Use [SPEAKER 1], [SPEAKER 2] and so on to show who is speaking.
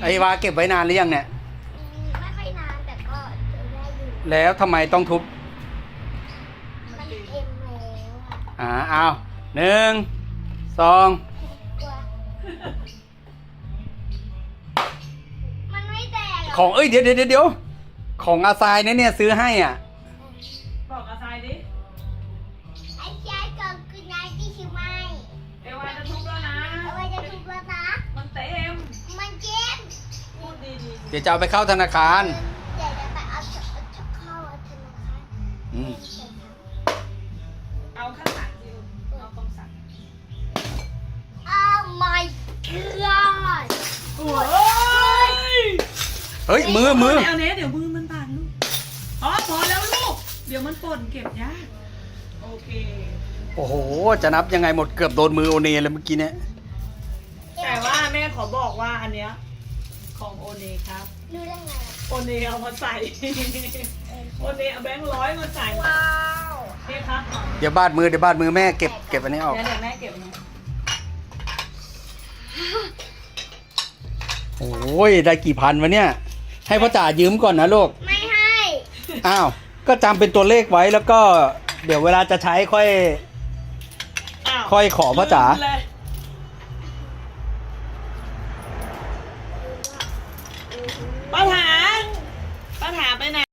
[SPEAKER 1] ไอ้วาเก็บไว้นานหรือยังเนี่ย
[SPEAKER 2] ไม่ค่อยนานแต่ก็เจอได้อยู่
[SPEAKER 1] แล้วทำไมต้องทุบ
[SPEAKER 2] มันเอ็มแล้วอ่ะ
[SPEAKER 1] เอา1 2
[SPEAKER 2] กลัวมันไม่แตกหร
[SPEAKER 1] ของเดี๋ยวของอาซายเนี่ยซื้อให้อ่ะ
[SPEAKER 3] บอกอาทรายดิ
[SPEAKER 2] ไอ้ชายก่อนคือนายที่ชิไหม
[SPEAKER 3] เอวาจะทุบแล้วนะ
[SPEAKER 2] เอาไว้จะทุบแล้วนะ
[SPEAKER 3] มันเต็ม
[SPEAKER 2] มันเจ็บ
[SPEAKER 3] พูดดี
[SPEAKER 1] เดี๋ยวจะเอาไปเข้าธนาคาร
[SPEAKER 2] เดี๋ยวจะไปเอาเข้าธนาคาร
[SPEAKER 1] อืม
[SPEAKER 3] ๆเอาข้างหลังสิเอาตรงสัน
[SPEAKER 2] Oh my god
[SPEAKER 3] โอ้ย
[SPEAKER 1] เฮ้ยมือ
[SPEAKER 3] เอาเนี้ยเดี๋ยวมือมันบาดลูกอ๋อพอแล้วลูก เดี๋ยวมันป่นเก็บยากโอเค
[SPEAKER 1] โอ้โหจะนับยังไงหมดเกือบโดนมือโอเนเลยเมื่อกี้เนี่ย
[SPEAKER 3] แต่ว่าแม่ขอบอกว่าอันเนี้ยของโอเนครับ
[SPEAKER 2] รู้ได้ไง
[SPEAKER 3] โอเนเอามาใส่ โอเนเอาแบงค์100มาใส่
[SPEAKER 2] ว้าว
[SPEAKER 3] นี่ครับ
[SPEAKER 1] เดี๋ยวบาดมือแม่เก็บอันนี้ออก
[SPEAKER 3] เดี๋ยวแม่เก็บนะ
[SPEAKER 1] โอ้ยได้กี่พันวะเนี่ย ให้พ่อจ๋ายืมก่อนนะลูก
[SPEAKER 2] ไม่ให้
[SPEAKER 1] อ้าวก็จำเป็นตัวเลขไว้แล้วก็เดี๋ยวเวลาจะใช้ค่อย
[SPEAKER 3] อ้าว
[SPEAKER 1] ค่อยขอพ่อจ๋า
[SPEAKER 3] ลืมเลยป้าถาป้าถาไปไหน